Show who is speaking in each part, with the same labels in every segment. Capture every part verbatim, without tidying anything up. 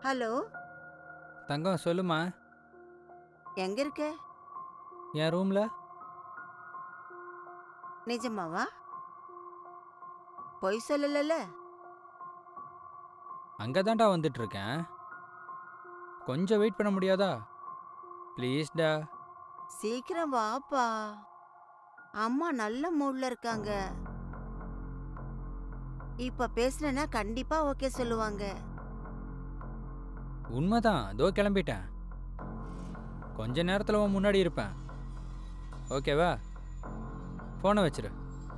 Speaker 1: Hello,
Speaker 2: தங்கம் சொல்லுமா.
Speaker 1: எங்க இருக்க?
Speaker 2: என் ரூம்ல.
Speaker 1: நிஜமாவா? பொய் சொல்லலல?
Speaker 2: அங்கே தான்டா வந்துட்டு இருக்கேன். கொஞ்சம் வெயிட் பண்ண முடியாதா? ப்ளீஸ்டா.
Speaker 1: சீக்கிரம் வாப்பா. அம்மா நல்ல மூட்ல இருக்காங்க. இப்ப பேசுனேன்னா கண்டிப்பா ஓகே சொல்லுவாங்க.
Speaker 2: உண்மைதான், அதோ கிளம்பிட்டேன். கொஞ்ச நேரத்தில் உன் முன்னாடி இருப்பேன். ஓகேவா? ஃபோனை வச்சிரு.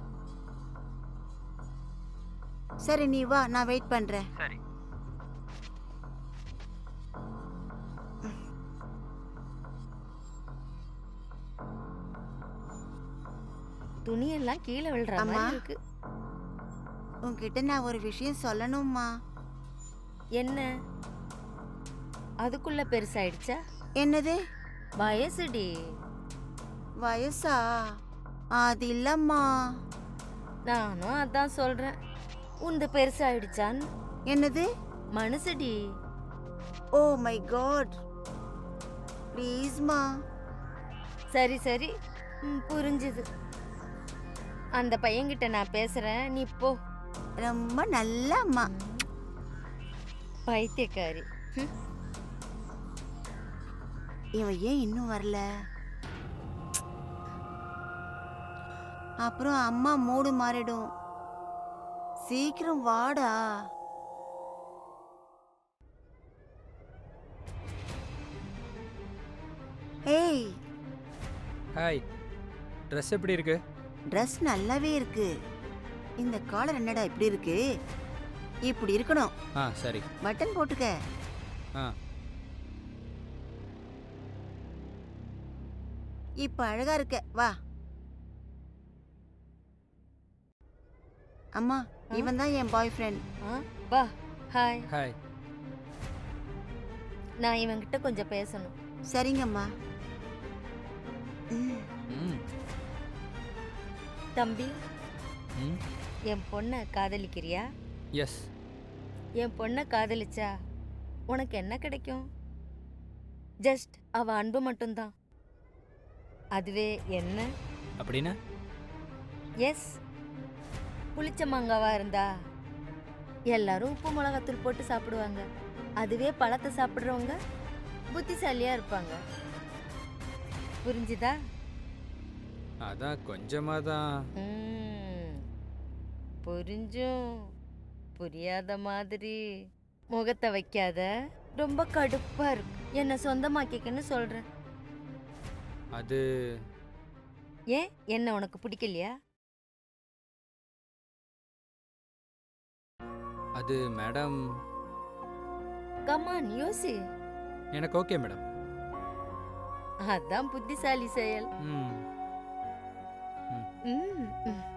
Speaker 1: சரி நீ வா, நான் வெயிட் பண்றேன்.
Speaker 2: சரி.
Speaker 3: துணியெல்லாம் கீழே விழுற
Speaker 1: அம்மா.
Speaker 3: மாதிரி இருக்கு.
Speaker 1: உன்கிட்ட நான் ஒரு விஷயம் சொல்லணும்மா.
Speaker 3: என்ன? அதுக்குள்ள பெருசாயிடுச்சா?
Speaker 1: என்னது?
Speaker 3: வயசுடி.
Speaker 1: வயசா? அது இல்லம்மா.
Speaker 3: நானும் அதான் சொல்றேன். உந்து பெருசாயிடுச்சான்னு.
Speaker 1: என்னது?
Speaker 3: மனசுடி.
Speaker 1: Oh my god. ப்ளீஸ்மா.
Speaker 3: சரி சரி, ம், புரிஞ்சுது. அந்த பையன்கிட்ட நான் பேசுறேன், நீ போ.
Speaker 1: ரொம்ப நல்ல அம்மா.
Speaker 3: பைத்தியக்காரி. ம்.
Speaker 1: இவன் ஏன் இன்னும் வரல? அப்புறம் அம்மா மூடு மாறிடும். சீக்கிரம் வாடா. ஏய்,
Speaker 2: ஹாய். ட்ரெஸ் எப்படி இருக்கு?
Speaker 1: ட்ரெஸ் நல்லாவே இருக்கு. இந்த காலர் என்னடா இப்படி இருக்கு? இப்படி இருக்கணும்.
Speaker 2: ஆ சரி.
Speaker 1: பட்டன் போட்டுக்க.
Speaker 2: ஆ
Speaker 1: இப்ப அழகா இருக்க. வா. அம்மா,
Speaker 3: ஆ?
Speaker 1: இவன் தான் என் பாய் ஃப்ரெண்ட்.
Speaker 3: ஆ, வா. ஹாய்.
Speaker 2: ஹாய்.
Speaker 3: நான் இவன்கிட்ட கொஞ்சம் பேசணும்.
Speaker 1: சரிங்கம்மா. ம்.
Speaker 2: ம்
Speaker 3: தம்பி,
Speaker 2: ம்
Speaker 3: என் பொண்ணை காதலிக்கிறியா?
Speaker 2: எஸ்.
Speaker 3: என் பொண்ணை காதலிச்சா உனக்கு என்ன கிடைக்கும்? ஜஸ்ட் அவ அன்பு மட்டும்தான். அதுவே என்ன?
Speaker 2: அப்படின்னா?
Speaker 3: எஸ். புளிச்ச மாங்காவா இருந்தா எல்லாரும் உப்பு மிளகாத்தூள் போட்டு சாப்பிடுவாங்க. அதுவே பழத்தை சாப்பிட்றவங்க புத்திசாலியா இருப்பாங்க. புரிஞ்சுதா?
Speaker 2: அதான் கொஞ்சமாக தான்.
Speaker 3: ம், புரிஞ்சும் புரியாத மாதிரி முகத்தை வைக்காத. ரொம்ப கடுப்பா இருக்கு. என்னை சொந்தமாக்கிக்கன்னு சொல்றேன்.
Speaker 2: அது
Speaker 3: ஏன், என்ன உனக்கு பிடிக்கலையா?
Speaker 2: அது மேடம்.
Speaker 3: கமான், யோசி.
Speaker 2: எனக்கு ஓகே மேடம்.
Speaker 3: அதான் புத்திசாலி செயல்.
Speaker 2: ம் ம்
Speaker 3: ம், ம்.